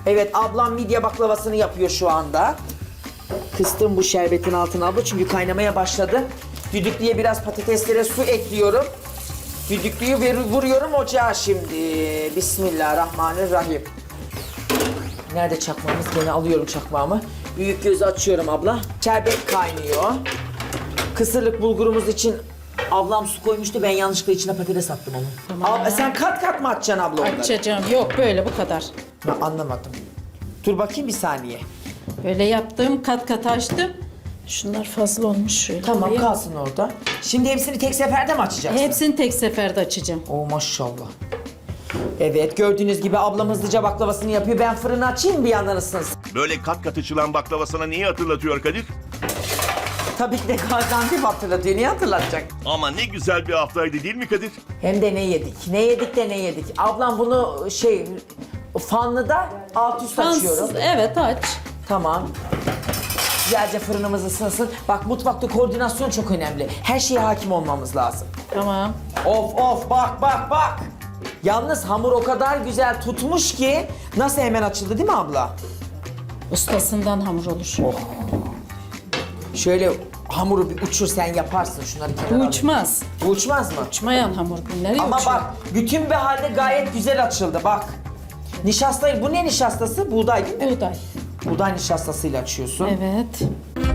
Evet, ablam midye baklavasını yapıyor şu anda. Kıstım bu şerbetin altına abla çünkü kaynamaya başladı. Düdüklüye biraz patateslere su ekliyorum. Düdüklüyü vuruyorum ocağa şimdi. Bismillahirrahmanirrahim. Nerede çakmağımız? Gene alıyorum çakmağımı. Büyük gözü açıyorum abla. Şerbet kaynıyor. Kısırlık bulgurumuz için ablam su koymuştu. Ben yanlışlıkla içine patates attım onu. Tamam. Abla, sen kat kat mı atacaksın abla onları? Açacağım. Yok böyle bu kadar. Ben anlamadım. Dur bakayım bir saniye. Böyle yaptım, kat kat açtım. Şunlar fazla olmuş şöyle. Tamam, koyayım. kalsın orada. Şimdi hepsini tek seferde mi açacaksın? Hepsini tek seferde açacağım. Oo maşallah. Evet, gördüğünüz gibi ablam hızlıca baklavasını yapıyor. Ben fırını açayım bir yandan ısınsın. Böyle kat kat açılan baklava sana neyi hatırlatıyor Kadir? Tabii ki de Gaziantep hatırlatıyor. Niye hatırlatacak? Ama ne güzel bir haftaydı değil mi Kadir? Hem de ne yedik? Ne yedik de ne yedik? Ablam bunu fanlıda alt üst açıyorum. Fansız, evet aç. Tamam. Güzelce fırınımız ısınsın. Bak, mutfakta koordinasyon çok önemli. Her şeye hakim olmamız lazım. Tamam. Of bak. Yalnız hamur o kadar güzel tutmuş ki nasıl hemen açıldı değil mi abla? Ustasından hamur olur. Şöyle hamuru bir uçur, sen yaparsın şunları kenara Bu alayım. uçmaz. Bu uçmaz mı? Uçmayan hamur bu. Nereye Ama uçuyor? bak, bütün bir halde gayet güzel açıldı bak. Nişastayı, bu ne nişastası? Buğday değil mi? Buğday. Buğday nişastasıyla açıyorsun. Evet.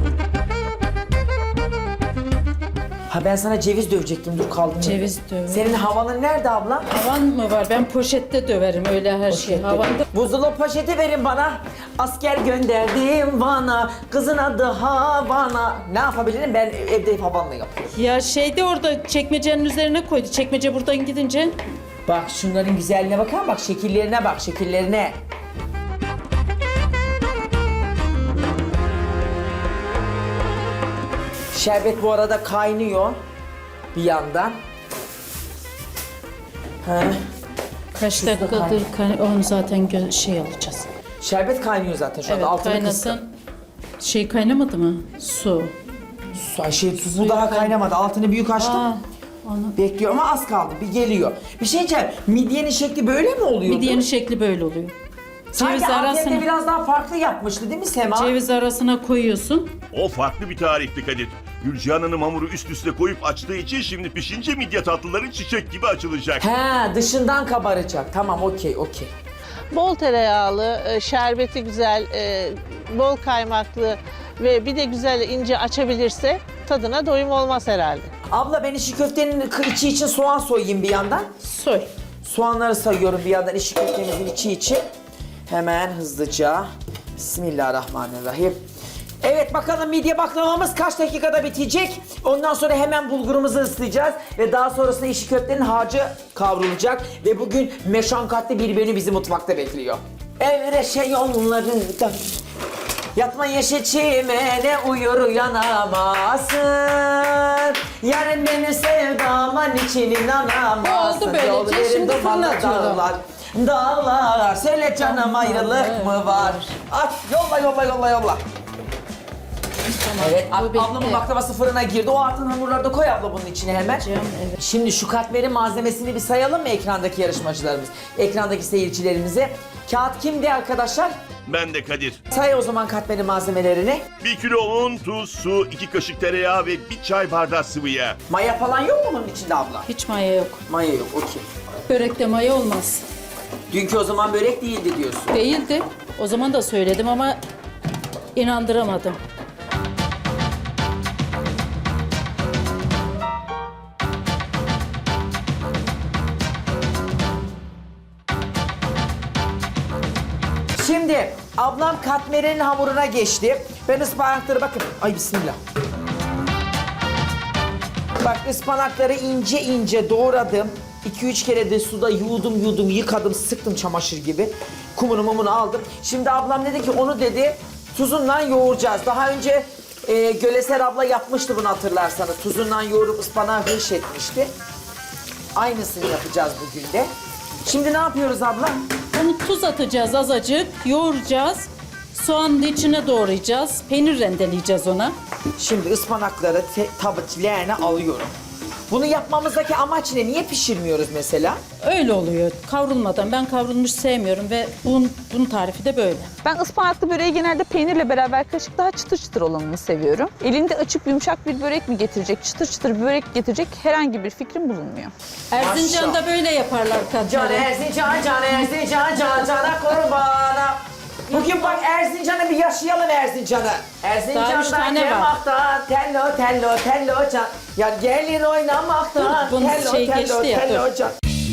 Ha, ben sana ceviz dövecektim, dur kaldım. Ceviz döv. Senin havanın nerede abla? Havan mı var? Ben poşette döverim öyle her şey. Havanda. Buzdolabı poşeti verin bana. Asker gönderdim bana. Kızın adı Havana. Ne yapabilirim? Ben evde havanla yapıyorum. Ya şeyde orada çekmecenin üzerine koydu. Çekmece buradan gidince. Bak şunların güzelliğine bakar, bak şekillerine bak, şekillerine. Şerbet bu arada kaynıyor bir yandan. Kaç Tuzla dakikadır onu zaten şey alacağız. Şerbet kaynıyor zaten şu anda. Evet Altını kıstım. kaynasın. Şey kaynamadı mı? Su. Bu daha kaynamadı. Altını büyük açtım. Aa, onu. Bekliyor ama az kaldı. Bir geliyor. Bir şey diyeceğim. Midyenin şekli böyle mi oluyor? Midyenin şekli böyle oluyor. Sanki Ceviz Antep'te arasına, biraz daha farklı yapmıştı değil mi Sema? ceviz arasına koyuyorsun. O farklı bir tarifti Kadir. Gülcihan Hanım hamuru üst üste koyup açtığı için şimdi pişince midye tatlıları çiçek gibi açılacak. He, dışından kabaracak. Tamam, okey. Bol tereyağlı, şerbeti güzel, bol kaymaklı ve bir de güzel ince açabilirse tadına doyum olmaz herhalde. Abla, ben işi köftenin içi için soğan soyayım bir yandan. Soy. Soğanları sayıyorum bir yandan işi köftemizin içi için. Hemen hızlıca. Bismillahirrahmanirrahim. Evet, bakalım midye baklavamız kaç dakikada bitecek? Ondan sonra hemen bulgurumuzu ıslayacağız ve daha sonrasında işi köftenin harcı kavrulacak ve bugün meşakkatli bir menü bizi mutfakta bekliyor. Evreşe yollarında yatma yeşil çimene uyur uyanamazsın. Yarın benim sevdama niçin inanamazsın. Oldu böylece, Yol verin şimdi dumanlı fırlatıyorum. dağlar, söyle canım ayrılık mı var? At, yolla. Evet, bu bitti. ablamın baklavası fırına girdi. O altın hamurları da koy abla bunun içine hemen. Evet. Şimdi şu katmerin malzemesini bir sayalım mı ekrandaki yarışmacılarımız? Ekrandaki seyircilerimize. Kağıt kimdi arkadaşlar? Ben de Kadir. Say o zaman katmerin malzemelerini. 1 kilo un, tuz, su, 2 kaşık tereyağı ve 1 çay bardağı sıvı yağ. Maya falan yok mu bunun içinde abla? Hiç maya yok. Maya yok, okey. Börekte maya olmaz. Dünkü o zaman börek değildi diyorsun. Değildi. O zaman da söyledim ama inandıramadım. Şimdi ablam katmerin hamuruna geçti. Ben ıspanakları bakın. Ay bismillah. Bak, ıspanakları ince ince doğradım. 2-3 kere de suda yudum yıkadım, sıktım çamaşır gibi. Kumunu mumunu aldım. Şimdi ablam dedi ki onu dedi tuzunla yoğuracağız. Daha önce Göleser abla yapmıştı bunu, hatırlarsanız. Tuzunla yoğurup ıspanağı hırş etmişti. Aynısını yapacağız bugün de. Şimdi ne yapıyoruz abla? Bunu tuz atacağız azıcık, yoğuracağız. Soğanın içine doğrayacağız. Peynir rendeleyeceğiz ona. Şimdi ıspanakları tabaklarına alıyorum. Bunu yapmamızdaki amaç ne? Niye pişirmiyoruz mesela? Öyle oluyor. Kavrulmadan. Ben kavrulmuş sevmiyorum ve bunun tarifi de böyle. Ben ıspanaklı böreği genelde peynirle beraber kaşık daha çıtır çıtır olanını seviyorum. Elinde açıp yumuşak bir börek mi getirecek, çıtır çıtır bir börek getirecek herhangi bir fikrim bulunmuyor. Erzincan'da böyle yaparlar Can katları. Erzincan, Can Erzincan, Cana kurbana. Bugün bak Erzincan'ı bir yaşayalım Erzincan'ı. Daha 3 Erzincan'dan tane var. kemaktan, tello tello tello can. Ya gelin oynamaktan, Dur, bunun tello şey tello geçti ya, tello dur. can.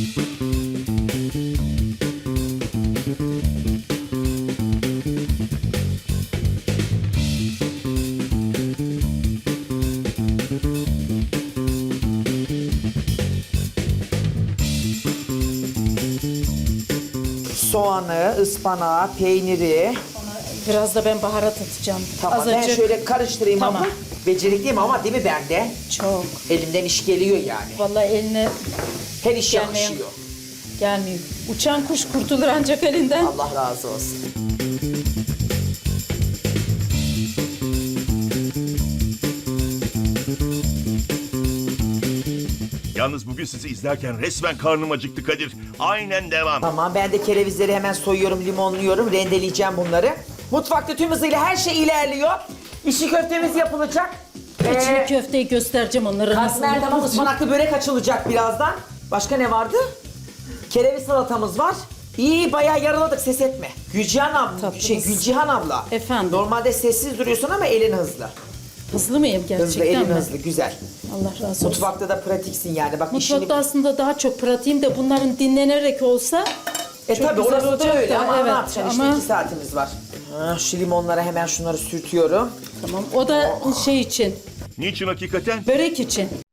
Soğanı, ıspanağı, peyniri. Biraz da ben baharat atacağım. Tamam ben Azıcık. şöyle karıştırayım Tamam. ama becerikliyim ama değil mi bende? Çok. Elimden iş geliyor yani. Vallahi eline Her iş Gelmeyen- yakışıyor. gelmiyor. Uçan kuş kurtulur ancak elinden. Allah razı olsun. Yalnız bugün sizi izlerken resmen karnım acıktı Kadir. Aynen devam. Tamam ben de kerevizleri hemen soyuyorum, limonluyorum, rendeleyeceğim bunları. Mutfakta tüm hızıyla her şey ilerliyor. İşi köftemiz yapılacak. İçli köfteyi göstereceğim onları nasıl Katmer tamam, yapılır. ıspanaklı börek açılacak birazdan. Başka ne vardı? Kereviz salatamız var. İyi bayağı yaraladık, ses etme. Tatlımız. Gülcihan abla. Efendim? Normalde sessiz duruyorsun ama elin hızlı. Hızlı mıyım Hızlı, gerçekten elin mi? hızlı, güzel. Allah razı olsun. Mutfakta da pratiksin yani. Bak Mutfakta aslında daha çok pratiğim de bunların dinlenerek olsa çok tabii güzel orası da olacak öyle da, ama evet, ne yapacaksın işte ama 2 saatimiz var. Ha, şu limonlara hemen şunları sürtüyorum. tamam. O da şey için, Niçin hakikaten? börek için.